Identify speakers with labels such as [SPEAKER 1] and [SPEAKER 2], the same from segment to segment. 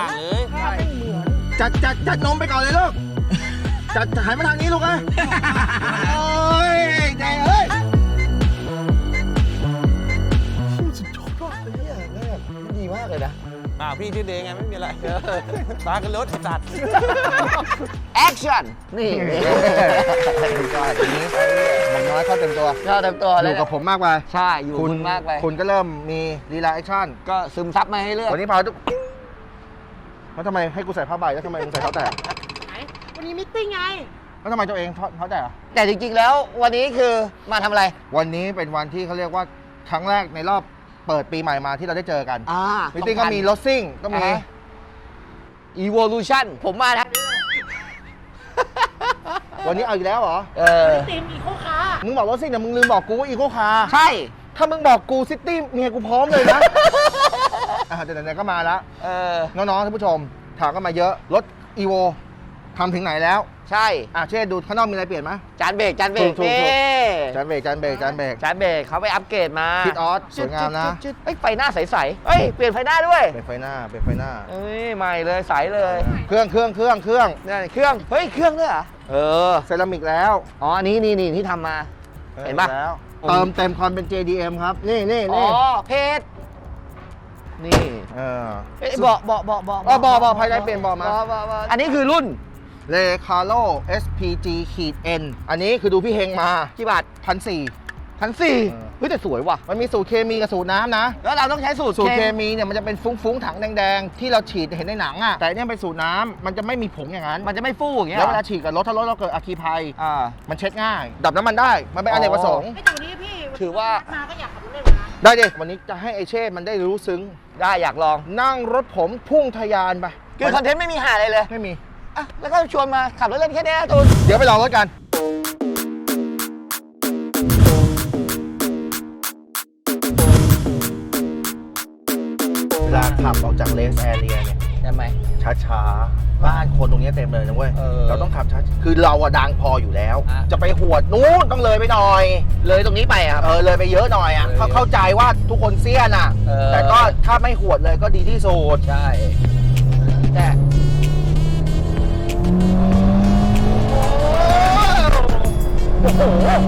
[SPEAKER 1] างเลย
[SPEAKER 2] ภาพไม่เหมือน
[SPEAKER 3] จัดนมไปก่อนเลยลูกจัดหันมาทางนี้ลูกนะโอ้ยใจเอ้ยสุดยอดมากเลยเนี่ยดีมากเลยนะ
[SPEAKER 1] พี่ชื่อเดงไงไม่มีอะไรตากันรถจัด
[SPEAKER 2] แอคชั่นนี่
[SPEAKER 3] ก็อย่างนี้มันน้อยเข้าเต็มตัว
[SPEAKER 2] เราเต็มตัว
[SPEAKER 3] อ
[SPEAKER 2] เลย
[SPEAKER 3] ยู่กับผมมากไป
[SPEAKER 2] ใช่อยู่คุณมากไป
[SPEAKER 3] คุณก็เริ่มมีลีลาแอคชั่น
[SPEAKER 2] ก็ซึมซับมาให้เลือก
[SPEAKER 3] วันนี้พาทุกแล้วทำไมให้กูใส่ผ้าใบแล้วทำไมมึงใส่เท้าแตะ
[SPEAKER 4] วันนี้มิทติ้งไง
[SPEAKER 3] แล้วทำไมตัวเองเท้าแตะ
[SPEAKER 2] แต่จริงๆแล้ววันนี้คือมาทำอะไร
[SPEAKER 3] วันนี้เป็นวันที่เขาเรียกว่าครั้งแรกในรอบเปิดปีใหม่มาที่เราได้เจอกัน มิติ้งก็มีรถซิ่งก็มี
[SPEAKER 2] Evolution ผมมานะ
[SPEAKER 3] วันนี้เอาอีกแล้วเหรอ
[SPEAKER 4] ติมอีโคคา
[SPEAKER 3] มึงบอกรถซิ่งแต่มึงลืมบอกกูว่าอีโคคาร์
[SPEAKER 2] ใช่
[SPEAKER 3] ถ้ามึงบอกกูซิตี้เมียกูพร้อมเลยนะ แต่ไหนๆก็มาแล้ว น้องๆท่านผู้ชมถามกันมาเยอะ รถอีโวทำถึงไหนแล้ว
[SPEAKER 2] ใช่
[SPEAKER 3] เช่ดูข้างนอกมีอะไรเปลี่ยนไหม
[SPEAKER 2] จานเบรก
[SPEAKER 3] ถูก
[SPEAKER 2] นี่
[SPEAKER 3] จานเบรก
[SPEAKER 2] จานเบรกเขาไปอัปเกรดมา
[SPEAKER 3] พิทออสสวยงามนะ
[SPEAKER 2] จึ๊ดไฟหน้าใสๆเอ้ยเปลี่ยนไฟหน้าด้วย
[SPEAKER 3] เป็นไฟหน้า
[SPEAKER 2] เอ้ยใหม่เลยใสเลย
[SPEAKER 3] เครื่อง
[SPEAKER 2] นี่เครื่องเฮ้ยเครื่องด้วยเหรอ
[SPEAKER 3] เซรามิกแล้ว
[SPEAKER 2] อ๋ออันนี้นี่ที่ทำมา เห็นปะ
[SPEAKER 3] แล้วเติมเต็มความเป็น JDM ครับ นี่
[SPEAKER 2] อ๋อเพจนี่
[SPEAKER 3] บอกภายในเปลี่ยนบอกมา
[SPEAKER 2] อันนี้คือรุ่น
[SPEAKER 3] เลคาโล SPG N อันนี้คือดูพี่เฮงมา
[SPEAKER 2] กี่บาท
[SPEAKER 3] 1,400
[SPEAKER 2] เฮ้ยแต่สวยว่ะ
[SPEAKER 3] มันมีสูตรเคมีกับสูตรน้ำนะ
[SPEAKER 2] แล้วเราต้องใช้สูตร
[SPEAKER 3] สูตรเคมีเนี่ยมันจะเป็นฟุ้งๆถังแดงๆ ที่เราฉีดเห็นในหนังอ่ะแต่เนี่ยเป็นสูตรน้ำมันจะไม่มีผงอย่างนั้น
[SPEAKER 2] มันจะไม่ฟูอย่างเงี้ย
[SPEAKER 3] แล้วเวลาฉีดกับรถถ้ารถเราเกิดอัคคีภัย มันเช็ดง่าย ดับน้ำมันได้มันเป็นอเนกประสงค์
[SPEAKER 4] ไอ้ตัวนี้พี่
[SPEAKER 2] ถือว่า
[SPEAKER 4] มาก็อยากขับรถเล่นเหมือนกัน
[SPEAKER 3] ได้ดิวันนี้จะให้ไอเช่มันได้รู้ซึ้ง
[SPEAKER 2] ได้อยากลอง
[SPEAKER 3] นั่งรถผมพุ่งทะยานไป
[SPEAKER 2] คือคอนเทนต์ไม่มีหาอะไรเลย
[SPEAKER 3] ไม่มี
[SPEAKER 2] อ่ะแล้วก็ชวนมาขับรถเล่นแค่นี้ตูน
[SPEAKER 3] เดี๋ยวไปลองรถกันเวลาขับออกจากเลสแอเรียเนี่ย
[SPEAKER 2] ใช่ไหม
[SPEAKER 3] ช้าๆ บ้านคนตรงนี้เต็มเลยนะเว้ย เราต้องขับช้าคือเราอะดังพออยู่แล้ว จะไปหวดนู้นต้องเลยไปหน่อย
[SPEAKER 2] เลยตรงนี้ไปครับ
[SPEAKER 3] เลยไปเยอะหน่อยอะเข้าใจว่าทุกคนเสี้ยนอะแต่ก็ถ้าไม่หวดเลยก็ดีที่สุด
[SPEAKER 2] ใช่แต่โอ้โห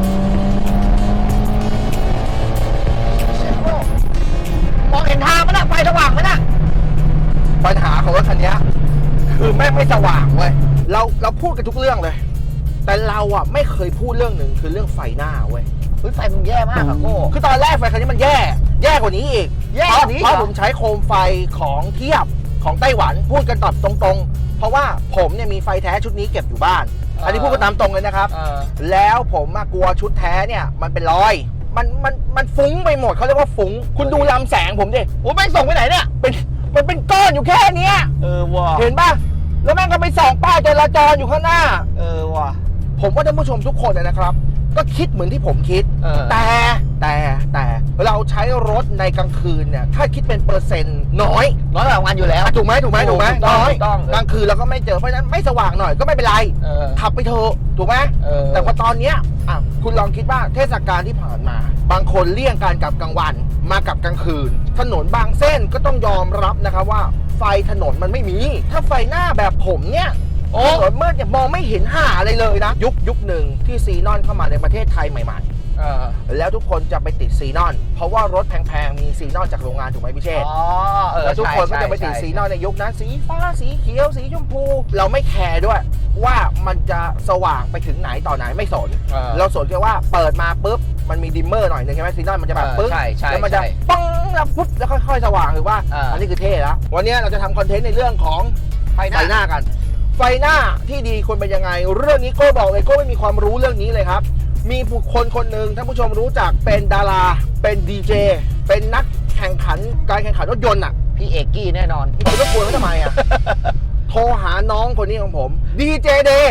[SPEAKER 2] มองเห็นทางมั้ยน่ะไฟสว่างมั้ยน่ะ
[SPEAKER 3] ปัญหาของรถคันนี้คือแม่งไม่สว่างเว้ยเราพูดกันทุกเรื่องเลย แต่เราอะไม่เคยพูดเรื่องหนึ่งคือเรื่องไฟหน้าเว้ย
[SPEAKER 2] เฮ้ยไฟมันแย่มากอะโก้
[SPEAKER 3] คือตอนแรกไฟคันนี้มันแย่กว่านี้อีก
[SPEAKER 2] แย่กว่านี้
[SPEAKER 3] เพราะผมใช้โคมไฟของเทียบของไต้หวันพูดกันตอบตรงๆ เพราะว่าผมเนี่ยมีไฟแท้ชุดนี้เก็บอยู่บ้าน อันนี้พูดกันตามตรงเลยนะครับ แล้วผมกลัวชุดแท้เนี่ยมันเป็นรอยมันฟุ้งไปหมดเขาเรียกว่าฟุ้งคุณดูลำแสงผมดิ
[SPEAKER 2] โอ้แม่งส่งไปไหนเนี่ย
[SPEAKER 3] มันเป็นก้อนอยู่แค่เนี้ย
[SPEAKER 2] ว่ะ
[SPEAKER 3] เห็นป่ะแล้วแม่งก็ไปส่องป้ายจราจรอยู่ข้างหน้า
[SPEAKER 2] ว่ะ
[SPEAKER 3] ผมว่าท่านผู้ชมทุกคนนะครับ ก็คิดเหมือนที่ผมคิด แต่เราใช้รถในกลางคืนเนี่ยถ้าคิดเป็นเปอร์เซ็นต์น้อย
[SPEAKER 2] น้อยกว่ากลางวันอยู่แล้ว
[SPEAKER 3] ถูกไหม
[SPEAKER 2] ถูก
[SPEAKER 3] น้อย
[SPEAKER 2] ต้อง
[SPEAKER 3] กลางคืนเราก็ไม่เจอเพราะฉะนั้นไม่สว่างหน่อยก็ไม่เป็นไรขับไปเถอะถูกไหมแต่ว่าตอนเนี้ยคุณลองคิดว่าเทศกาลที่ผ่านมา บางคนเลี่ยงการกลับกลางวันมากับกลางคืน ถนนบางเส้นก็ต้องยอมรับนะครับว่าไฟถนนมันไม่มี ถ้าไฟหน้าแบบผมเนี่ยถนนมืดเนี่ยมองไม่เห็นหาอะไรเลยนะยุคหนึ่งที่ซีนอนเข้ามาในประเทศไทยใหม่ๆแล้วทุกคนจะไปติดซีนอนเพราะว่ารถแพงๆมีซีนอนจากโรงงานถูกไหมพี่เชษแล้วทุกคนก็จะไปติดซีนอนในยุคนั้นสีฟ้าสีเขียวสีชมพูเราไม่แคร์ด้วยว่ามันจะสว่างไปถึงไหนต่อไหนไม่สนเราสนแค่ว่าเปิดมาปุ๊บมันมีดิมเมอร์หน่อยนึงใช่ไหมซีนอนมันจะแบบปึ๊บแล้วมันจะปังแล้วปุ๊บแล้วค่อยๆสว่างหรือว่าอันนี้คือเท่แล้ววันนี้เราจะทำคอนเทนต์ในเรื่องของไฟหน้ากันไฟหน้าที่ดีควรเป็นยังไงเรื่องนี้โก้บอกเลยโก้ไม่มีความรู้เรื่องนี้เลยครับมีบุคคลคนหนึ่งท่านผู้ชมรู้จักเป็นดาราเป็นดีเจเป็นนักแข่งขันการแข่งขันรถยนต์อ่ะ
[SPEAKER 2] พี่เอกกี้แน่นอน
[SPEAKER 3] คุณต้องกลัวเขาทำไมอ่ะ โทรหาน้องคนนี้ของผมดีเจเดย์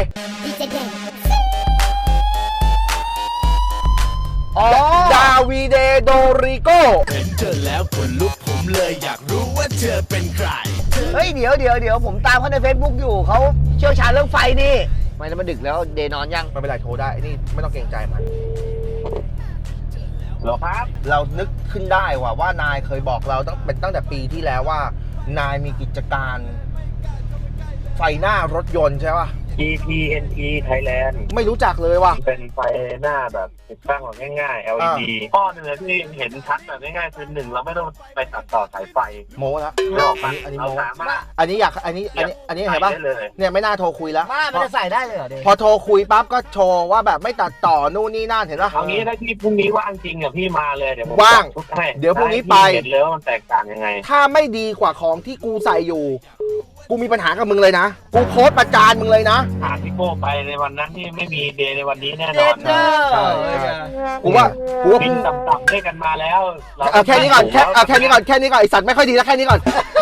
[SPEAKER 3] ดาวีเดโดริโก
[SPEAKER 5] เห็นเธอแล้วขนลุกผมเลยอยากรู้ว่าเธอเป็นใคร
[SPEAKER 2] เฮ้ยเดี๋ยวผมตามเขาใน Facebook อยู่เขาเชี่ยวชาญเรื่องไฟนี่ไม่แล้วมันดึกแล้วเดย์นอนยัง
[SPEAKER 3] ไม่เป็นไรโทรได้นี่ไม่ต้องเกรงใจมัน
[SPEAKER 1] หรอครับ
[SPEAKER 3] เรานึกขึ้นได้ว่านายเคยบอกเราตั้งแต่ปีที่แล้วว่านายมีกิจการไฟหน้ารถยนต์ใช่ป่ะ
[SPEAKER 6] TPNE Thailand
[SPEAKER 3] ไม่รู้จักเลยว่ะ
[SPEAKER 6] เป็นไฟหน้าแบบติดตั้งแบบง่ายๆ LED ข้อหนึ่งที่เห็นชัดแบบง่ายๆคือหนึ่งเราไม่ต้องไปตัดต่อสายไฟ
[SPEAKER 3] โม้แล้ว
[SPEAKER 6] ไม่ออกปะ
[SPEAKER 3] อันนี้
[SPEAKER 6] เรา
[SPEAKER 3] โม้
[SPEAKER 6] สามารถ
[SPEAKER 3] อันนี้อยากอันนี้เห็นป่ะ
[SPEAKER 6] ใส่ได้เลย
[SPEAKER 3] เนี่ยไม่น่าโทรคุยแล้ว
[SPEAKER 2] บ้ามันจะใส่ได้เลยเหรอเด
[SPEAKER 3] พอโทรคุยปั๊บก็โชว์ว่าแบบไม่ตัดต่อนู่นนี่นั่นเห็นป่ะ
[SPEAKER 6] เอางี้ถ้าพี่พรุ่งนี้ว่างจริงอ่ะพี่มาเลยเดี๋ยวผม
[SPEAKER 3] ว่าง
[SPEAKER 6] จัดชุดให้
[SPEAKER 3] เดี๋ยวพรุ่งนี้ไป
[SPEAKER 6] ให้พี่เห็นเลยว่ามันแตกต่างยังไง
[SPEAKER 3] ถ้าไม่ดีกว่าของที่กูใส่อยู่ กูมีปัญหากับมึงเลยนะ กูโพสต์ประจานมึงเลยนะ
[SPEAKER 6] หาพี่โก้ไปในวันนั้นที่ไม่มีเดย์ในวันนี้แน่น
[SPEAKER 2] เด็
[SPEAKER 6] อ
[SPEAKER 2] ด
[SPEAKER 6] น
[SPEAKER 2] เด้อ
[SPEAKER 3] กูว่า
[SPEAKER 6] บินต่ำๆด้วยกันมาแล้วเรา
[SPEAKER 3] เอาแค่นี้ก่อนแค่นี้ก่อนไอสัตว์ไม่ค่อยดีแล้วแค่นี้ก่อน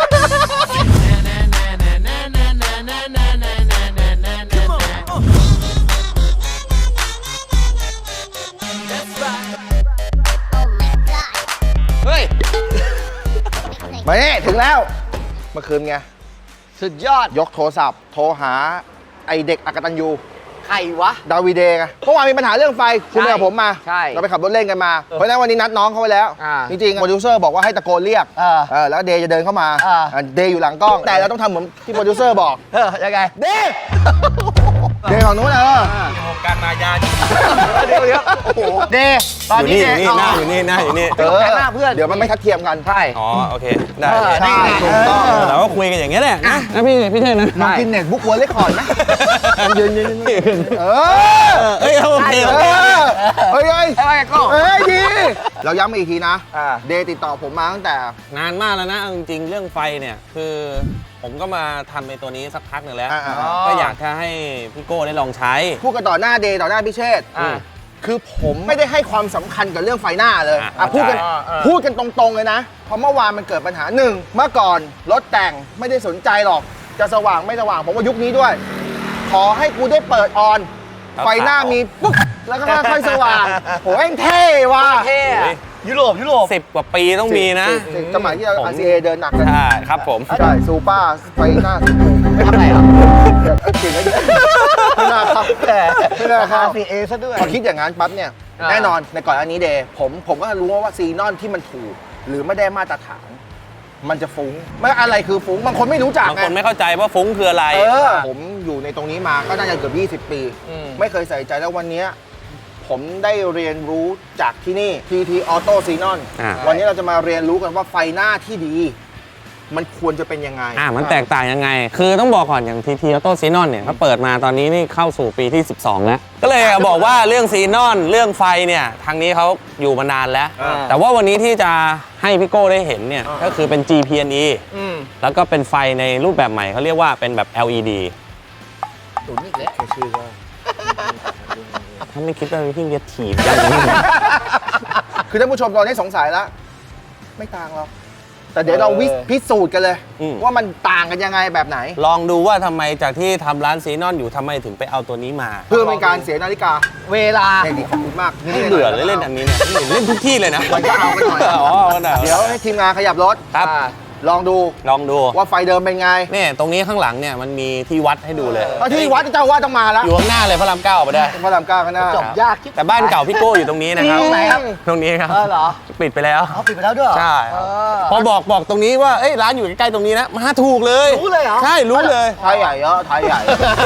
[SPEAKER 1] เฮ้ย
[SPEAKER 3] มาเนี่ยถึงแล้ว เมื่อคืนไง
[SPEAKER 2] สุดยอด
[SPEAKER 3] ยกโทรศัพท์ โทรหาไอเด็กอกตันยู
[SPEAKER 2] ใครวะ
[SPEAKER 3] ดาวีเดย์ไงเมื่อวานมีปัญหาเรื่องไฟ คุณไปกับผมมา
[SPEAKER 2] ใช่
[SPEAKER 3] เราไปขับรถเล่นกันมา เพราะฉะนั้นวันนี้นัดน้องเขาไว้แล้ว จริงๆโปรดิวเซอร์บอกว่าให้ตะโกนเรียก แล้วเดย์จะเดินเข้ามา เดย์อยู่หลังกล้อง แต่เราต้องทำเหมือนที่โปรดิวเซอร์บอก
[SPEAKER 2] ยังไง
[SPEAKER 3] เดย์เดย์ของนู้น
[SPEAKER 1] วงการมายา
[SPEAKER 2] เดี๋ยวโอ้โหเดตอน
[SPEAKER 1] อยู่
[SPEAKER 2] นี้
[SPEAKER 1] นี่
[SPEAKER 2] เด
[SPEAKER 1] อยู่นี่หน้าอยู่นี่
[SPEAKER 2] หน้าเพื่อน
[SPEAKER 3] เดี๋ยวมันไม่ทัดเทียมกัน
[SPEAKER 2] ใช่
[SPEAKER 1] อ๋อโอเคได้
[SPEAKER 3] ใช่ถูกต้อง
[SPEAKER 1] เราก็คุยกันอย่างเงี้ยแหละนะพี่เท่นะ
[SPEAKER 3] น้องกินเน็ตบุ๊กวอลเลคคอร์ดไหมยืนเออ
[SPEAKER 1] เอ้ยโอเค
[SPEAKER 3] เออเฮ้ย
[SPEAKER 2] ไอ้ก็
[SPEAKER 3] เอ้ยดีเราย้ำมาอีกทีนะ เดย์ติดต่อผมมาตั้งแต่
[SPEAKER 1] นานมากแล้วนะเอาจริงๆเรื่องไฟเนี่ยคือผมก็มาทำในตัวนี้สักพักหนึ่งแล้ว ก็อยากจะให้พี่โก้ได้ลองใช้
[SPEAKER 3] พูดกันต่อหน้าเดย์ต่อหน้าพิเชษฐ์ คือผมไม่ได้ให้ความสำคัญกับเรื่องไฟหน้าเลย พูดกันตรงๆเลยนะ เพราะเมื่อวานมันเกิดปัญหาหนึ่งเมื่อก่อนรถแต่งไม่ได้สนใจหรอก จะสว่างไม่สว่างผมว่ายุคนี้ด้วย ขอให้กูได้เปิดออน ไฟหน้ามีปุ๊บแล้วก็ค่อยๆสว่างโหแม่งเท่ว่ะ
[SPEAKER 2] เท่ยุโรป
[SPEAKER 1] 10 กว่าปีต้องมีนะ
[SPEAKER 3] สมัยที่เรา RCA เดินหนักกัน
[SPEAKER 1] ใช่ครับผม
[SPEAKER 3] ใช่ซูเปอร์ไฟหน้าสีชมพู
[SPEAKER 2] ไม่ทำอะไรเหรอ
[SPEAKER 3] เก่งเลยไม่น่าครับไม่น่าครับ
[SPEAKER 2] RCA ซะด้วย
[SPEAKER 3] พอคิดอย่างนั้นปั๊บเนี่ย แน่นอนในก่อนอันนี้เดย์ผมก็รู้ว่าซีนอนที่มันถูก หรือไม่ได้มาตรฐาน มันจะฟุ้งไม่อะไรคือฟุ้งบางคนไม่รู้จัก
[SPEAKER 1] บางคนไม่เข้าใจว่าฟุ้งคืออะไร
[SPEAKER 3] ผมอยู่ในตรงนี้มาก็น่าจะเกือบ20 ปี ไม่เคยใส่ใจแล้ววันนี้ผมได้เรียนรู้จากที่นี่ TT Auto Xenon วันนี้เราจะมาเรียนรู้กันว่าไฟหน้าที่ดี มันควรจะเป็นยังไง
[SPEAKER 1] มันแตกต่างยังไง คือต้องบอกก่อนอย่าง TT Auto Xenon เนี่ยเขาเปิดมาตอนนี้นี่เข้าสู่ปีที่ 12 แล้ว ก็เลยบอกว่าเรื่องซีนอนเรื่องไฟเนี่ยทางนี้เขาอยู่มานานแล้ว แต่ว่าวันนี้ที่จะให้พี่โก้ได้เห็นเนี่ยก็คือเป็น GPNE แล้วก็เป็นไฟในรูปแบบใหม่เขาเรียกว่าเป็นแบบ LED
[SPEAKER 2] ตุ๋นอีกแล้ว
[SPEAKER 3] ชื่อว่า
[SPEAKER 1] ถ้าไม่คิดว่าพี่จะถีบยังไง
[SPEAKER 3] คือท่านผู้ชมตอนนี้สงสัยแล้ว ไม่ต่างหรอกแต่เดี๋ยวเราพิสูจน์กันเลย ว่ามันต่างกันยังไงแบบไหน
[SPEAKER 1] ลองดูว่าทำไมจากที่ทำร้านซีนอนอยู่ทำไมถึงไปเอาตัวนี้มา
[SPEAKER 3] เพื่อเป็นการเสียนาฬิกา
[SPEAKER 2] เวลา
[SPEAKER 3] เนี่ยดีขอบคุณมาก
[SPEAKER 1] ไม่เบื่อเลยเล่นอันนี้เนี่ยเล่นทุกที่เลยนะ
[SPEAKER 3] มันก็เอาไปหน่อย
[SPEAKER 1] อ๋อก็ได้
[SPEAKER 3] เดี๋ยวให้ทีมงานขยับรถ
[SPEAKER 1] ครับ
[SPEAKER 3] ลองดู
[SPEAKER 1] ลองดู
[SPEAKER 3] ว่าไฟเดิมเป็นไง
[SPEAKER 1] เนี่ยตรงนี้ข้างหลังเนี่ยมันมีที่วัดให้ดูเลย
[SPEAKER 3] เอาที่วัดเจ้าว่าต้องมาแล้ว
[SPEAKER 1] อยู่ข้างหน้าเลยพระรามเก้าไปได้
[SPEAKER 3] พระรามเก้าข้างหน้า
[SPEAKER 2] จบยากคิด
[SPEAKER 1] แต่บ้านเก่าพี่โก้อยู่ตรงนี้นะครับ
[SPEAKER 2] ตรงไหนครับ
[SPEAKER 1] ตรงนี้ครับ
[SPEAKER 2] เหรอ
[SPEAKER 1] ปิดไปแล้ว
[SPEAKER 2] เขาปิดไปแล้วด้วยเหรอ
[SPEAKER 1] ใช่ครับพอบอกตรงนี้ว่าเอ้ยร้านอยู่ใกล้ๆตรงนี้นะมาถูกเลย
[SPEAKER 2] รู้เลยเหรอ
[SPEAKER 1] ใช่รู้เลย
[SPEAKER 3] ไทยใหญ่เยอะไทยใหญ่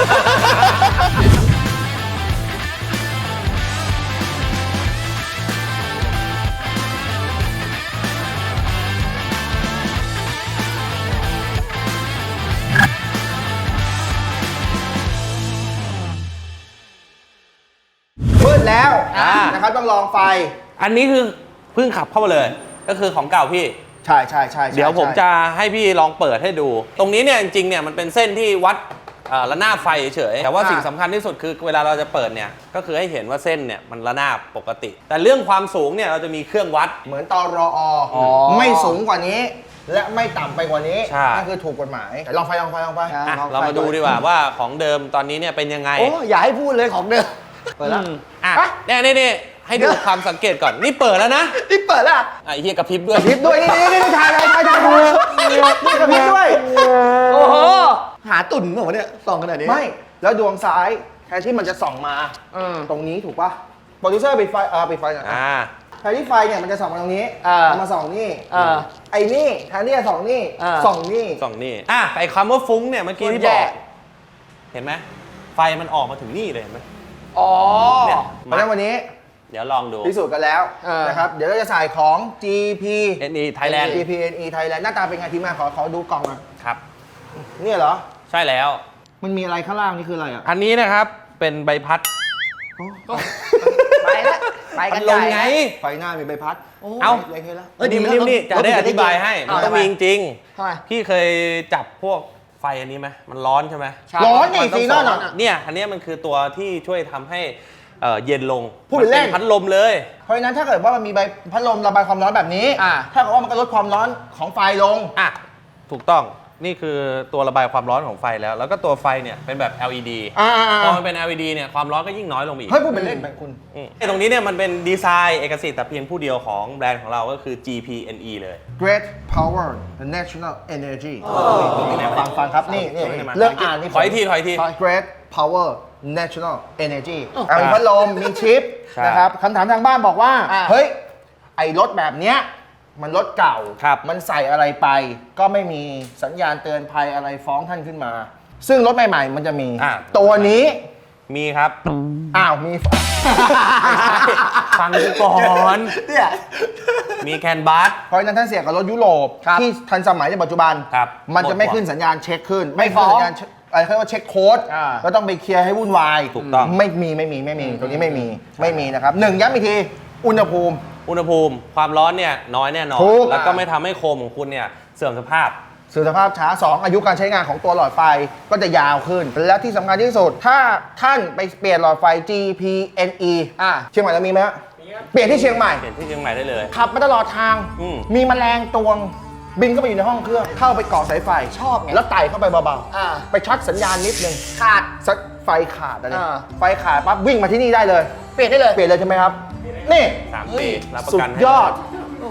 [SPEAKER 3] มืดแล้วนะครับต้องลองไฟ
[SPEAKER 1] อันนี้คือเพิ่งขับเข้ามาเลย ก็คือของเก่าพี่
[SPEAKER 3] ใช่
[SPEAKER 1] เดี๋ยวผมจะให้พี่ลองเปิดให้ดู ตรงนี้เนี่ยจริงๆเนี่ยมันเป็นเส้นที่วัดระนาบไฟเฉยๆแต่ว่าสิ่งสำคัญที่สุดคือเวลาเราจะเปิดเนี่ยก็คือให้เห็นว่าเส้นเนี่ยมันระนาบปกติ แต่เรื่องความสูงเนี่ยเราจะมีเครื่องวัด
[SPEAKER 3] เหมือนตรอไม่สูงกว่านี้ และไม่ต่ำไปกว่านี้
[SPEAKER 1] ใช่
[SPEAKER 3] นั่นคือถูกกฎหมายลองไฟ
[SPEAKER 1] อ่ะเรามาดูดีกว่าว่าของเดิมตอนนี้เนี่ยเป็นยังไง
[SPEAKER 2] โอ้อย่าให้พูดเลยของเดิมเปิดแล้ว
[SPEAKER 1] อ่ะนี่ให้ดูความสังเกตก่อนนี่เปิดแล้วนะ
[SPEAKER 2] นี่เปิดแล้ว
[SPEAKER 1] ไอ้เฮียกระพริบด้วย
[SPEAKER 3] พริบด้วยนี่ถ่ายดูนี่กระพริบด้วย
[SPEAKER 2] โอ้โหหาตุ่นเหรอวะเนี่ยส่องขนาดนี้
[SPEAKER 3] ไม่แล้วดวงซ้ายแทนที่มันจะส่องมาตรงนี้ถูกป่ะโปรดิวเซอร์ปิดไฟปิดไฟหน่อยแทนที่ไฟเนี่ยมันจะส่องมาตรงนี้
[SPEAKER 2] อ่า
[SPEAKER 3] มาส่องนี่
[SPEAKER 2] ไอ้นี่
[SPEAKER 3] แทนที่จะส่องนี่ ส่องนี่
[SPEAKER 1] สองนี่ไอ้คำว่าฟุ้งเนี่ยเมื่อกี้ที่บอก เห็นไหมไฟมันออกมาถึงนี่เลยเห็นไหม
[SPEAKER 2] อ๋อ
[SPEAKER 1] เนี่ย
[SPEAKER 3] เพราะฉะนั้นวันนี้
[SPEAKER 1] เดี๋ยวลองดู
[SPEAKER 3] พิสูจน์กันแล้วนะครับ เดี๋ยวเราจะใส่ของ GP
[SPEAKER 1] NE Thailand
[SPEAKER 3] GPNE Thailand หน้าตาเป็นไงทีมงานขอดูกล่องหน่อย
[SPEAKER 1] ครับ
[SPEAKER 3] เนี่ยเหรอ
[SPEAKER 1] ใช่แล้ว
[SPEAKER 3] มันมีอะไรข้างล่างนี่คืออะไรอ่ะ
[SPEAKER 1] อันนี้นะครับเป็นใบพัด
[SPEAKER 2] ไปแล้วไปกัน
[SPEAKER 1] ล
[SPEAKER 2] ให
[SPEAKER 1] ง
[SPEAKER 2] ญ่
[SPEAKER 1] ไง
[SPEAKER 3] ไฟหน้ามีใบพัด
[SPEAKER 1] เอ้า
[SPEAKER 3] เล็กๆแล้ว
[SPEAKER 1] นี่มันนี่จะได้อธิบายให้มันต้องมีจริง
[SPEAKER 2] ทำไม
[SPEAKER 1] ๆพี่เคยจับพวกไฟอันนี้ไหมมันร้อนใช่ไหม
[SPEAKER 3] ร้อนนี่
[SPEAKER 1] มัต้
[SPEAKER 3] ซี
[SPEAKER 1] ง
[SPEAKER 3] นอน
[SPEAKER 1] ส
[SPEAKER 3] อ่ะ
[SPEAKER 1] เนี่ยอันเนี้ยมันคือตัวที่ช่วยทำให้เย็นลง
[SPEAKER 3] พูดเล่น
[SPEAKER 1] มัพัดลมเลย
[SPEAKER 3] เพราะฉะนั้นถ้าเกิดว่ามันมีใบพัดลมระบายความร้อนแบบนี้ ถ้าเกิดว่ามันก็ลดความร้อนของไฟลง
[SPEAKER 1] อ่ะถูกต้องนี่คือตัวระบายความร้อนของไฟแล้ว แล้วก็ตัวไฟเนี่ยเป็นแบบ LED พอมันเป็น LED เนี่ยความร้อนก็ยิ่งน้อยลงไปอีก
[SPEAKER 3] เฮ้ยพูดเป็นเล่นไปคุณ
[SPEAKER 1] ไอ้ตรงนี้เนี่ยมันเป็นดีไซน์เอกสิทธิ์แต่เพียงผู้เดียวของแบรนด์ของเราก็คือ GPNE เลย
[SPEAKER 3] Great Power the National Energy ฟังครับนี่เลือกอ่านนี่
[SPEAKER 1] ถอยทีถอยที
[SPEAKER 3] Great Power National Energy มีพัดลมมีชิป
[SPEAKER 1] ใช่
[SPEAKER 3] นะครับคำถามทางบ้านบอกว่า เฮ้ย ไอ้รถแบบเนี้ยมันรถเก่า
[SPEAKER 1] ครับ
[SPEAKER 3] มันใส่อะไรไป ก็ไม่มีสัญญาณเตือนภัยอะไรฟ้องท่านขึ้นมา ซึ่งรถใหม่ๆมันจะมี ตัวนี้
[SPEAKER 1] มีครับ
[SPEAKER 3] อ้าวมี
[SPEAKER 1] ฟังกูก่อน
[SPEAKER 3] เนี่ย
[SPEAKER 1] มีแคนบัส
[SPEAKER 3] เพราะฉะนั้นท่านเสียกับรถยุโรปที่ทันสมัยในปัจจุบัน
[SPEAKER 1] ครับ
[SPEAKER 3] มันจะไม่ขึ้นสัญญาณเช็คขึ้น
[SPEAKER 2] ไม่
[SPEAKER 3] ขึ้น
[SPEAKER 2] ฟ้อง
[SPEAKER 3] สัญญาณอะไรเขาเรียกว่าเช็คโค้ดก็ต้องไปเคลียร์ให้วุ่นวาย
[SPEAKER 1] ถูกต้อง
[SPEAKER 3] ไม่มีตัวนี้ไม่มีนะครับหนึ่งย้ำอีกทีอุณหภูมิ
[SPEAKER 1] อุณหภูมิความร้อนเนี่ยน้อยแน่นอน
[SPEAKER 3] ถูก
[SPEAKER 1] แล้วก็ไม่ทำให้โคมของคุณเนี่ยเสื่อมสภาพ
[SPEAKER 3] เสื่อมสภาพช้า 2 อายุการใช้งานของตัวหลอดไฟก็จะยาวขึ้น และที่สำคัญที่สุด ถ้าท่านไปเปลี่ยนหลอดไฟ GPNE เชียงใหม่เรามีไหมฮะเปลี่ยนที่เชียงใหม่
[SPEAKER 1] เปลี่ยนที่เชียงใหม่ได้เลย
[SPEAKER 3] ขับมาตลอดทาง มีแมลงตวง บินเข้าไปอยู่ในห้องเครื่อง เข้าไปเกาะสายไฟ
[SPEAKER 2] ชอบไง
[SPEAKER 3] แล้วไต่เข้าไปเบา
[SPEAKER 2] อ่า
[SPEAKER 3] ๆ ไปช็อตสัญญาณนิดนึง
[SPEAKER 2] ขาด
[SPEAKER 3] สักไฟขาดอะไร ไฟขาดปั๊บวิ่งมาที่นี่ได้เลย
[SPEAKER 2] เปลี่ยนได้เลย
[SPEAKER 3] เปลี่ยนเลยใช่ไหมครับ นี่
[SPEAKER 1] 3 ปีรับประ
[SPEAKER 3] สุ
[SPEAKER 1] กั
[SPEAKER 3] ด
[SPEAKER 1] นให้
[SPEAKER 3] ยอด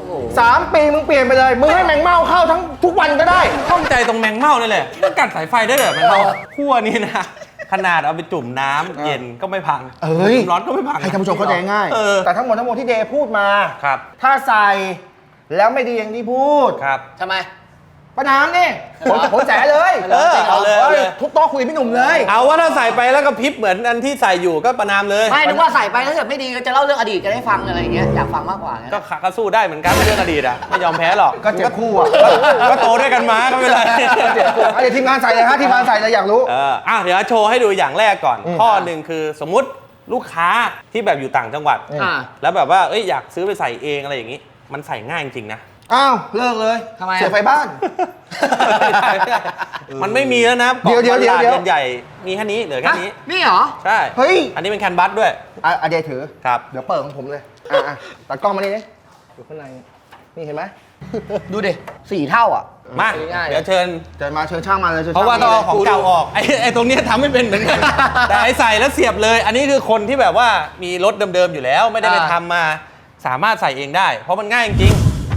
[SPEAKER 3] 3 ปีมึงเปลี่ยนไปเลย มึงให้แมงเม่าเข้าทั้งทุกวันก็ได้
[SPEAKER 1] ข้องใจตรงแมงเม่านี่แหละมันกัดสายไฟได้เลยแมงเม่าขั้วนี่นะ ขนาดเอาไปจุ่มน้ำเย็นก็ไม่พัง
[SPEAKER 3] เอ้ย
[SPEAKER 1] จุ่มร้อนก็ไม่พัง
[SPEAKER 3] ให้ท่านผู้ชมเข้าใจง่าย
[SPEAKER 1] เออ
[SPEAKER 3] แต่ทั้งหมดที่เดย์พูดมา
[SPEAKER 1] ครับ
[SPEAKER 3] ถ้าใส่แล้วไม่ดีอย่างที่พูด
[SPEAKER 1] ครับ
[SPEAKER 2] ทำไม
[SPEAKER 3] ประนามนี่ผมแจ๋เลย
[SPEAKER 1] เอาเลย
[SPEAKER 3] ทุกโต๊ะคุยพี่หนุ่มเลย
[SPEAKER 1] เอาว่าถ้าใส่ไปแล้วก็พริบเหมือนอันที่ใส่อยู่ก็ประนามเลย
[SPEAKER 2] ไม่นึกว่าใส่ไปแล้วเกิดไม่ดีก็จะเล่าเรื่องอดีตกันให้ฟังอะไรอย่างเงี้ยอยากฟังมากกว่าไง
[SPEAKER 1] ก็สู้ได้เหมือนกันเรื่องอดีตอ่ะไม่ยอมแพ้หรอก
[SPEAKER 3] ก็เจ็บคู่อ่ะ
[SPEAKER 1] ก็โตด้วยกันมาก็ไม่เป็นไร
[SPEAKER 3] เจ็บคู่เดี๋ยวทีมงานใส่เลยฮะทีมงานใส่เลยอยากรู้
[SPEAKER 1] เดี๋ยวโชว์ให้ดูอย่างแรกก่อน ข้อหนึ่งคือสมมุติลูกค้าที่แบบอยู่ต่างจังหวัด แล้วแบบว่าอยากซื้อไปใส่เองอะไรอย่างนี้ มันใส่ง่ายจริงๆนะ
[SPEAKER 3] อ้าวเลิกเลย
[SPEAKER 2] ทำไมอะ
[SPEAKER 3] เสียไฟบ้าน
[SPEAKER 1] มันไม่มีแล้วนะ
[SPEAKER 3] เดี๋ยว
[SPEAKER 1] กล่องใหญ่ๆมีแค่นี้เหลือแค่นี้
[SPEAKER 2] นี่เหรอ
[SPEAKER 1] ใช่
[SPEAKER 3] เฮ้ย
[SPEAKER 1] อันนี้เป็นแคนบัสด้วย
[SPEAKER 3] เดย์ถือ
[SPEAKER 1] ครับ
[SPEAKER 3] เดี๋ยวเปิดของผมเลยตัดกล้องมานี่ดิอยู่ข้างในนี่เห็นไหม
[SPEAKER 2] ดูดิ4 เท่าอ่ะ
[SPEAKER 1] มา
[SPEAKER 2] ง่ายๆ
[SPEAKER 1] เดี๋ยวเชิญ
[SPEAKER 3] เดินมาเชิญช่างมาเลยชิญ
[SPEAKER 1] เพราะว่า
[SPEAKER 3] ช่
[SPEAKER 1] ต้อง
[SPEAKER 3] ม
[SPEAKER 1] เอาของเก่าออกไอ้ตรงเนี้ยทำไม่เป็นเหมือนกัน แต่ไอ้ใส่แล้วเสียบเลย อันนี้คือคนที่แบบว่ามีรถเดิมๆอยู่แล้ว ไม่ได้ไปทำมาสามารถใส่เองได้ เพราะมันง่ายจริง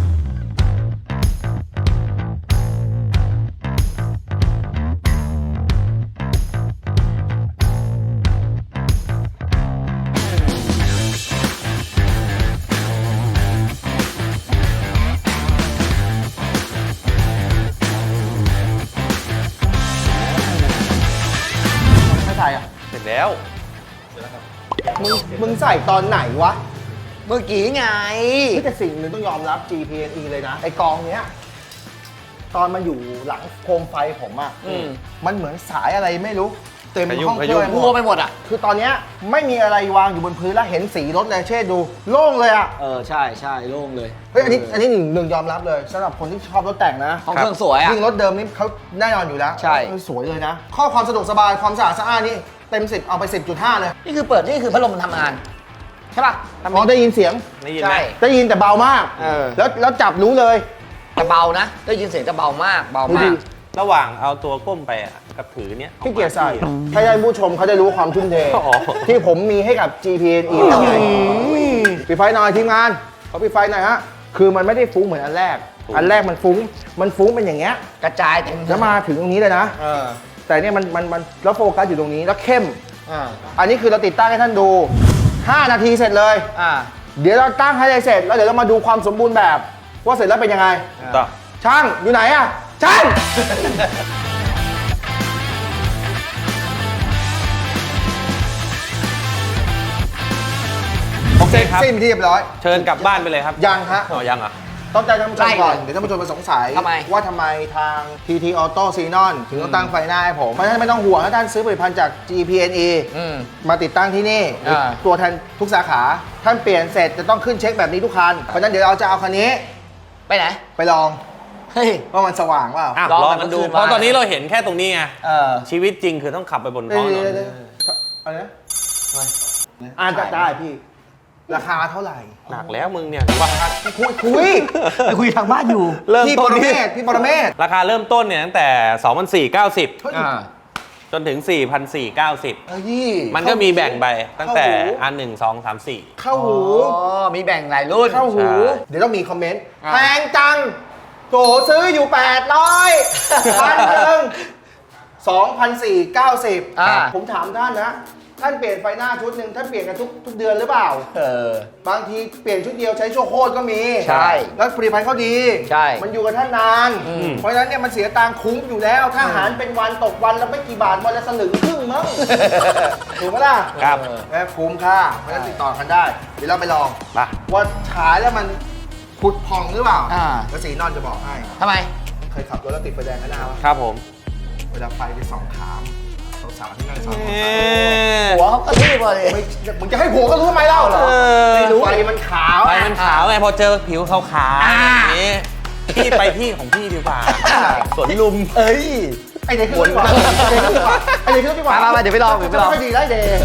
[SPEAKER 3] ไม่ใส่อ่ะ
[SPEAKER 1] เสร็จแล้ว
[SPEAKER 3] มึงใส่ตอนไหนวะ
[SPEAKER 2] เมื่อกี้ไง
[SPEAKER 3] นี่แต่สิ่งหนึ่งต้องยอมรับ GPNE เลยนะ ไอกองเนี้ย ตอนมันอยู่หลังโคมไฟผมอ่ะ มันเหมือนสายอะไรไม่รู้ เต็มห้องเครื่อง
[SPEAKER 2] มัวไปหมดอ่ะ
[SPEAKER 3] คือตอนเนี้ยไม่มีอะไรวางอยู่บนพื้นแล้วเห็นสีรถเลยเช่ดู โล่งเลยอ่ะ
[SPEAKER 2] ใช่โล่งเลย
[SPEAKER 3] เฮ้ยอันนี้หนึ่งยอมรับเลยสำหรับคนที่ชอบรถแต่งนะ
[SPEAKER 2] ห้องเครื่องสวยอ่ะ
[SPEAKER 3] ยิ่งรถเดิมนี่เขาแน่นอนอยู่แล้ว
[SPEAKER 2] ใช่
[SPEAKER 3] สวยเลยนะ ข้อความสะดวกสบายความสะอาดสะอ้านนี่เต็ม 10 เอาไป 10.5 เลย
[SPEAKER 2] นี่คือเปิดนี่คือพัดลมมันทำงาน ใช่ป่ะ
[SPEAKER 3] อ๋อได้ยินเสียง
[SPEAKER 1] ได้ยินไหม
[SPEAKER 2] ใช่
[SPEAKER 3] ได้ยินแต่เบามาก แล้วจับรู้เลย
[SPEAKER 2] แต่เบานะ ได้ยินเสียงจะเบามากเบา
[SPEAKER 3] ดู
[SPEAKER 2] มา
[SPEAKER 3] ดิ
[SPEAKER 2] ก
[SPEAKER 1] ระหว่างเอาตัวก้มไปกับถือเนี้ย
[SPEAKER 3] ที่เกียร์ใส่ให้ท่านผู้ชมเขาได้รู้ความทุ่มเท
[SPEAKER 1] อ๋อ
[SPEAKER 3] ที่ผมมีให้กับ GPNE ยังไงปิดไฟหน่อยทีมงานขอปิดไฟหน่อยฮะ คือมันไม่ได้ฟุ้งเหมือนอันแรก อันแรกมันฟุ้งเป็นอย่างเงี้ย
[SPEAKER 2] กระจายเต็ม
[SPEAKER 3] แล้วมาถึงตรงนี้เลยนะ แต่เนี่ยมันแล้วโฟกัสอยู่ตรงนี้แล้วเข้ม อันนี้คือเราติดตั้งให้ท่านดู 5 นาทีเสร็จเลยเดี๋ยวเราตั้งให้เสร็จแล้วเดี๋ยวเรามาดูความสมบูรณ์แบบว่าเสร็จแล้วเป็นยังไง
[SPEAKER 1] ต่อ
[SPEAKER 3] ช่างอยู่ไหนอะช่าง
[SPEAKER 1] โอเคครับ
[SPEAKER 3] สิ้นที่เรียบร้อย
[SPEAKER 1] เชิญกลับบ้านไปเลยครับ
[SPEAKER 3] ยังฮะ
[SPEAKER 1] อ๋อยังเหรอ
[SPEAKER 3] ต้องใจท่านผู้ชมก่อน เดี๋ยวท่านผู้ชมมาสงสัย
[SPEAKER 2] ทำไม
[SPEAKER 3] ว่าทำไมทาง TT Auto Xenon ถึงต้องตั้งไฟหน้าให้ผม เพราะฉะนั้นไม่ต้องห่วงถ้าท่านซื้อผลิตภัณฑ์จาก GPNE มาติดตั้งที่นี่หรือตัวแทนทุกสาขา ท่านเปลี่ยนเสร็จจะต้องขึ้นเช็คแบบนี้ทุกคัน เพราะฉะนั้นเดี๋ยวเราจะเอาคันนี้
[SPEAKER 2] ไปไหน
[SPEAKER 3] ไปลอง
[SPEAKER 2] เฮ้ย
[SPEAKER 3] ว่ามันสว่างเปล่า
[SPEAKER 1] อ่ะ
[SPEAKER 2] ลอง
[SPEAKER 1] ลอง
[SPEAKER 2] ไป
[SPEAKER 1] กันดู
[SPEAKER 2] เมื่อคืน
[SPEAKER 1] เพราะ
[SPEAKER 2] มา
[SPEAKER 1] ตอนนี้เราเห็นแค่ตรงนี้ไง ชีวิตจริงคือต้องขับไปบนท้องถนน
[SPEAKER 3] อะไรนะอ่านได้พี่ ราคาเท่าไหร่
[SPEAKER 1] หนักแล้วมึงเนี่ยว่า
[SPEAKER 3] คุยทางบ้านอยู่
[SPEAKER 1] เริ่ม
[SPEAKER 3] พี่
[SPEAKER 1] ต้
[SPEAKER 3] ป
[SPEAKER 1] น
[SPEAKER 3] ร
[SPEAKER 1] ที่
[SPEAKER 3] เมศพี่ปรเมศ
[SPEAKER 1] ราคาเริ่มต้นเนี่ยตั้งแต่ 24,90 จนถึง 4,490
[SPEAKER 3] เฮ้ย
[SPEAKER 1] มันก็มีแบ่งไปตั้งแต่
[SPEAKER 3] เข้าหู
[SPEAKER 1] อัน1 2 3 4
[SPEAKER 3] เข้าหู
[SPEAKER 2] อ๋อ มีแบ่งหลายรุ่น
[SPEAKER 3] เข้าหู
[SPEAKER 1] ใช่
[SPEAKER 3] เดี๋ยวต้องมีคอมเมนต์แพงจังโถซื้ออยู่ 800พันหนึ่ง2,490
[SPEAKER 2] อ่า
[SPEAKER 3] ผมถามท่านนะ ท่านเปลี่ยนไฟหน้าชุดหนึ่งท่านเปลี่ยนกันทุกเดือนหรือเปล่า บางทีเปลี่ยนชุดเดียวใช้ชั่วโคตรก็มี
[SPEAKER 2] ใช่
[SPEAKER 3] แล้วผลิตภัณฑ์เขาดี
[SPEAKER 2] ใช่
[SPEAKER 3] มันอยู่กับท่านนาน เพราะฉะนั้นเนี่ยมันเสียตังค์คุ้มอยู่แล้ว ถ้าหารเป็นวันตกวันแล้วไม่กี่บาทวันละสลึงครึ่งมั้ง ถูกไหมล่ะ
[SPEAKER 1] ครับ
[SPEAKER 3] คุ้มค่าเพราะฉะนั้นติดต่อกันได้ เดี๋ยวเราไปลอง
[SPEAKER 1] ไป
[SPEAKER 3] ว่าฉายแล้วมันผุดผ่องหรือเปล่า
[SPEAKER 2] อ่า
[SPEAKER 3] แล้วสีนอนจะบอกให้
[SPEAKER 2] ทำไม
[SPEAKER 3] เคยขับรถแล้วติดไฟแดงข้างหน้าวะ
[SPEAKER 1] ครับผม
[SPEAKER 3] เวลาไฟไปส่องถามสาวๆที่นั่งซ้อน
[SPEAKER 2] หัวเขากระทืบมาเลย
[SPEAKER 3] ไม่มึงจะให้ผัวก็รู้ทำไมเล่าเหรอ
[SPEAKER 1] ไม่รู้
[SPEAKER 3] ไฟมันขาว
[SPEAKER 1] ไฟมันขาวไงพอเจอผิวขาวๆอย่างนี้พี่ไปที่ของพี่ดีกว่าสวนลุม
[SPEAKER 3] เอ้ย ไอเด็กขึ้นดีกว่าไอเด็กขึ้นดีกว่า
[SPEAKER 2] มาเดี๋ยวไปลองเดี๋ยวไปลอง
[SPEAKER 3] ไม่ดีได้เดย์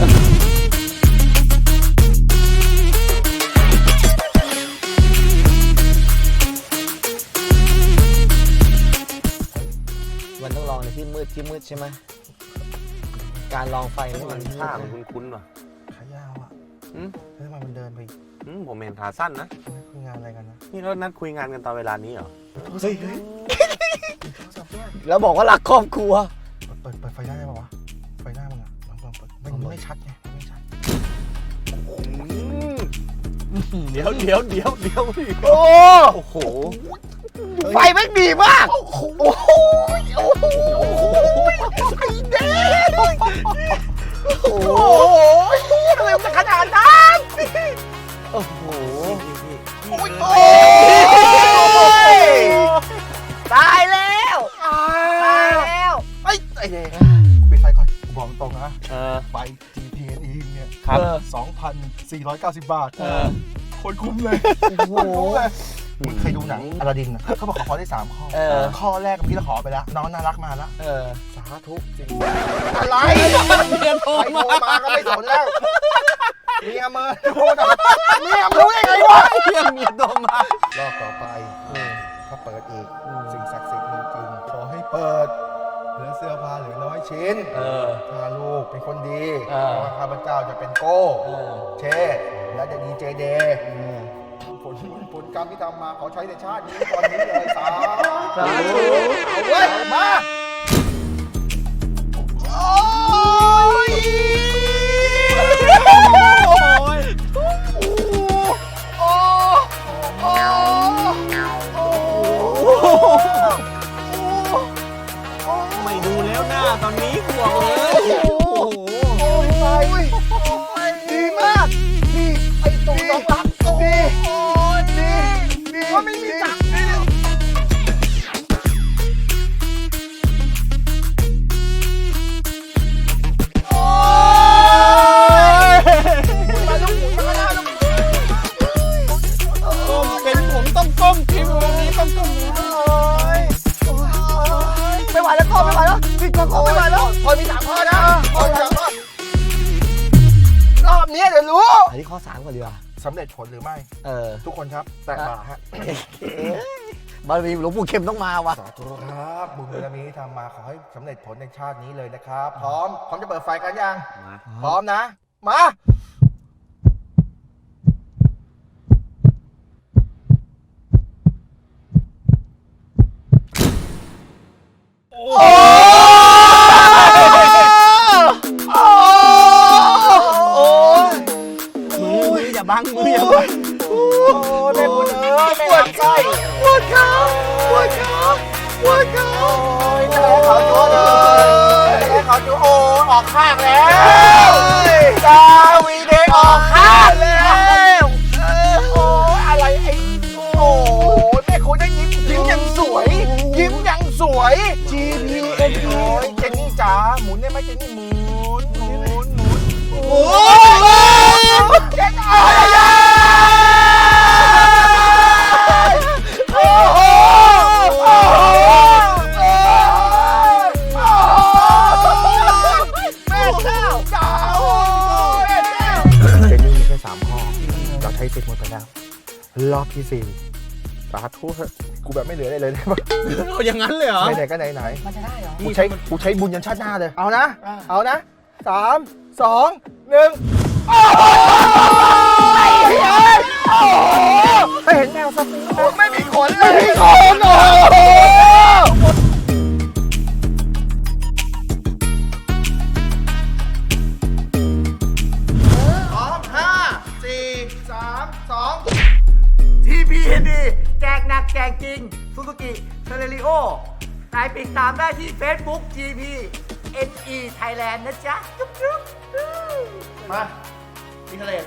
[SPEAKER 2] มันต้องลองในที่มืดใช่ไหม การลองไฟนี่มัน
[SPEAKER 1] ผ้ามันคุ้นๆว่ะ
[SPEAKER 3] ขายาวอ่ะ
[SPEAKER 1] อืม
[SPEAKER 3] แล้วทำไมมันเดินไป
[SPEAKER 1] ผมเห็นขาสั้นนะ
[SPEAKER 3] คุยงานอะไรกันนะ
[SPEAKER 1] นี่เรานัดคุยงานกันตอนเวลานี้เหรอ
[SPEAKER 3] เฮ้ย
[SPEAKER 2] แล้วบอกว่ารักครอบครัว
[SPEAKER 3] เปิดไฟได้ไหมวะ ไฟหน้ามึงอ่ะลองเปิดมันไม่ชัดไงมันไม่ชัด
[SPEAKER 1] เดี๋ยว
[SPEAKER 2] โอ้
[SPEAKER 1] โอ้โห
[SPEAKER 2] ไฟแม่งดีมาก โอ้โหไอ้เด้โอ้โหทำไมมันขนาดนั้นโอ้โหตายแล้วตายแล้ว
[SPEAKER 3] ไอเดย์ปิดไฟก่อนบอกตรงนะ ไฟ GPNE เนี่ย
[SPEAKER 1] ครับ
[SPEAKER 3] 2,490 บาทคนคุ้มเลยคนคุ้มเลยมึงเคยดูหนังอลาดินนะเขาบอกขอได้3ข้อ ข้อแรกเมื่อกี้เราขอไปแล้ว น้องน่ารักมาแล้ว สาธุจริงอะไรเมียโทรมาก็ไม่สนแล้วเมียเมินโทรมาเมียรู้ได้ไงวะ
[SPEAKER 1] เมียโดนมาร
[SPEAKER 3] อบต่อไปถ้าเปิดอีกสิ่งศักดิ์สิทธิ์มีจริงขอให้เปิดเหลือเสื้อผ้าเหลือน้อยชิ้นถ้าลูกเป็นคนดีว่าข้าพเจ้าจะเป็นโก้เชษและจะดีเจเดย์ผลกรรมที่ทำมาขอใช้ในชาตินี้ตอนนี้เลยสาธุเอาเว้ยมาโอ้ย
[SPEAKER 1] ไม่ดูแล้วหน้าตอนนี้ห่วงเลย
[SPEAKER 3] ดีมากดีไอ้ตรงน้องรักดีดีว่าไม่มีจักดีโอ้ยมาลูกมาหน้าลูก
[SPEAKER 1] เป็นผมต้องก้มทีวันนี้ต้องก้ม
[SPEAKER 2] ไม่ไหวแล้วก็ไม่ไหวแล้วพี่ก็ไม่ไหวแล้ว
[SPEAKER 3] พอมี3 ข้อนะพอมี3 ข้อรอบนี้เดี๋ยวรู้
[SPEAKER 2] อันนี้ข้อ3ก่อนดีกว่า
[SPEAKER 3] สำเร็จผลหรือไม่ ทุกคนครับแตะบ่าฮะ
[SPEAKER 2] บารมีหลวงปู่เข็มต้องมาว่ะ
[SPEAKER 3] สาธุครับบุญบารมีที่ทำมาขอให้สำเร็จผลในชาตินี้เลยนะครับ พร้อมจะเปิดไฟกันยัง พร้อมนะ มา
[SPEAKER 2] มืออย่าบังมืออย่าบังอกข้างแล้วกาวีเด็กออกข้างแล้วโอ้อะไรไอ้โอ้แม่คุณได้ยิ้มยังสวย ยิ้มยังสวย GPN โอ้ยเจนนี่จ๋าหมุนได้ไหมเจนนี่หมุนโอ้ยเจนนี่โอ้โหแม่เจ้าจ๋าโอ้ยเจนนี่มีแค่3ข้อเราใช้สิทธิ์หมดไปแล้วรอบที่4สาธุเถอะกูแบบไม่เหลืออะไรเลยได้ปะ
[SPEAKER 7] เอาอย่างนั้นเลยเหรอ
[SPEAKER 2] ไหนๆก็ไหน
[SPEAKER 4] มันจะได้เหรอ
[SPEAKER 2] ๆกูใช้บุญยันชาติหน้าเลยเอานะเอานะ3 2 1ไม่เห็นแมวสักตัวไม่มีขนเลยไม่มีขนโอ้โหพร้อม5 4 3 2
[SPEAKER 8] TPND แจกหนักแจกจริง Suzuki Celerio นายติดตามได้ที่ Facebook GPNE Thailand นะจ๊ะ จุ๊บจุ๊บ
[SPEAKER 2] มามีทะเล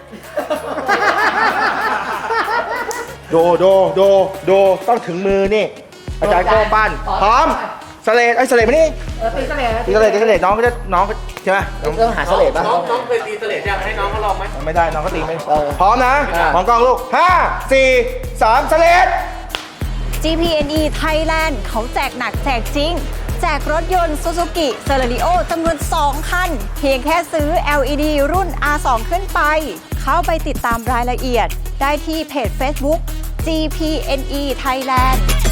[SPEAKER 2] โดต้องถึงมือนี่ อาจารย์โก้ปั้นพร้อมสเลดไอ้สเลดมานี่
[SPEAKER 8] ตีเสลด
[SPEAKER 2] ตีสเลดน้องก็จะน้องใช่ไหมต้องหาสเลดป่ะ
[SPEAKER 1] น้องเป็นตีเสลดอยากให้น้องเขาลองไหม
[SPEAKER 2] ไม่ได้น้องก็ตีไม่พร้อมนะมองกล้องลูก5 4 3สเลด
[SPEAKER 9] GPNE Thailand เขาแจกหนักแจกจริง แจกรถยนต์ Suzuki Celerio จำนวน 2 คัน เพียงแค่ซื้อ LED รุ่น R2 ขึ้นไป เข้าไปติดตามรายละเอียดได้ที่เพจ Facebook GPNE Thailand